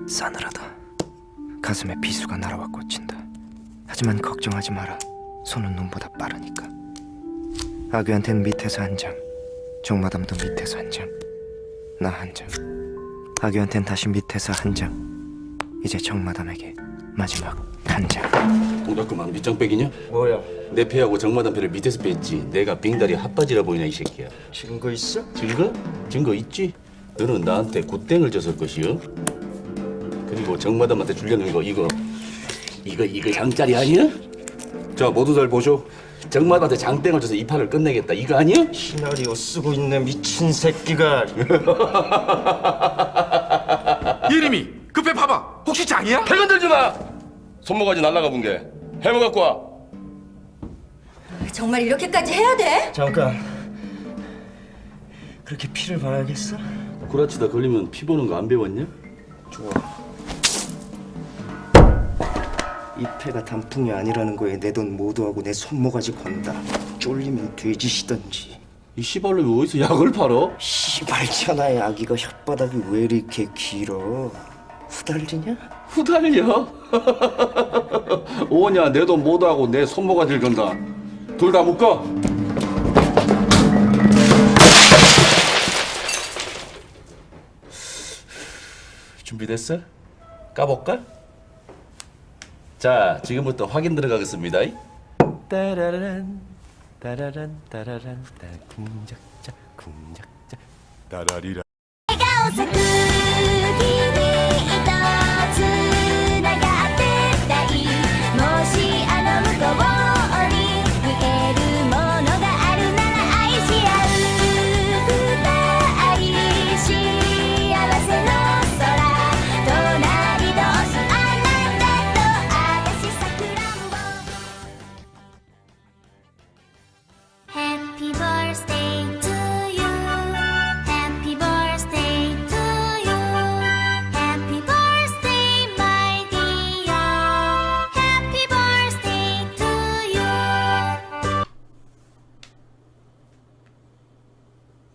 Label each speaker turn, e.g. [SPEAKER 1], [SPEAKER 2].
[SPEAKER 1] 싸늘하다. 가슴에 비수가 날아와 꽂힌다. 하지만 걱정하지 마라. 손은 눈보다 빠르니까. 아귀한텐 밑에서 한 장, 종마담도 밑에서 한 장, 나 한 장. 아귀한텐 다시 밑에서 한 장. 이제 정마담에게 마지막 한 장.
[SPEAKER 2] 동작그만 밑장 빼기냐?
[SPEAKER 3] 뭐야?
[SPEAKER 2] 내 패하고 정마담 패를 밑에서 뺐지. 내가 빙다리 핫바지라 보이냐 이 새끼야.
[SPEAKER 3] 증거 있어?
[SPEAKER 2] 증거? 증거 있지? 너는 나한테 굿땡을 줬을 것이요. 그리고 정마담한테 주려는 거 이거 장짜리 아니야? 자 모두 잘 보쇼. 정마담한테 장땡을 줘서 이 판을 끝내겠다 이거 아니야?
[SPEAKER 3] 시나리오 쓰고 있네 미친 새끼가.
[SPEAKER 4] 예림이 급해 봐봐. 혹시 장이야?
[SPEAKER 2] 배 건들지 마. 손모가지 날라가 본 게 해머 갖고 와.
[SPEAKER 5] 정말 이렇게까지 해야 돼?
[SPEAKER 3] 잠깐. 그렇게 피를 봐야겠어?
[SPEAKER 2] 구라치다 걸리면 피 보는 거 안 배웠냐?
[SPEAKER 3] 좋아. 이 패가 단풍이 아니라는 거에 내 돈 모두하고 내 손모가지 건다. 쫄리면 돼지시던지.
[SPEAKER 2] 이 씨발로 어디서 약을 팔어?
[SPEAKER 3] 씨발 천하의 아기가 혓바닥이 왜 이렇게 길어? 후달리냐?
[SPEAKER 2] 후달려? 오냐 내 돈 모두하고 내 손모가지를 건다. 둘 다 묶어. 준비됐어? 까볼까? 자 지금부터 확인 들어가겠습니다.
[SPEAKER 3] 따라란 따라란 따라란 따 궁작자 궁작자
[SPEAKER 4] 따라리라.
[SPEAKER 5] 咲く日に糸つながってたいもしあの向こうに見えるものがあるなら愛し合う二人幸せの空隣同士あなたと私さくらんぼ Happy birthday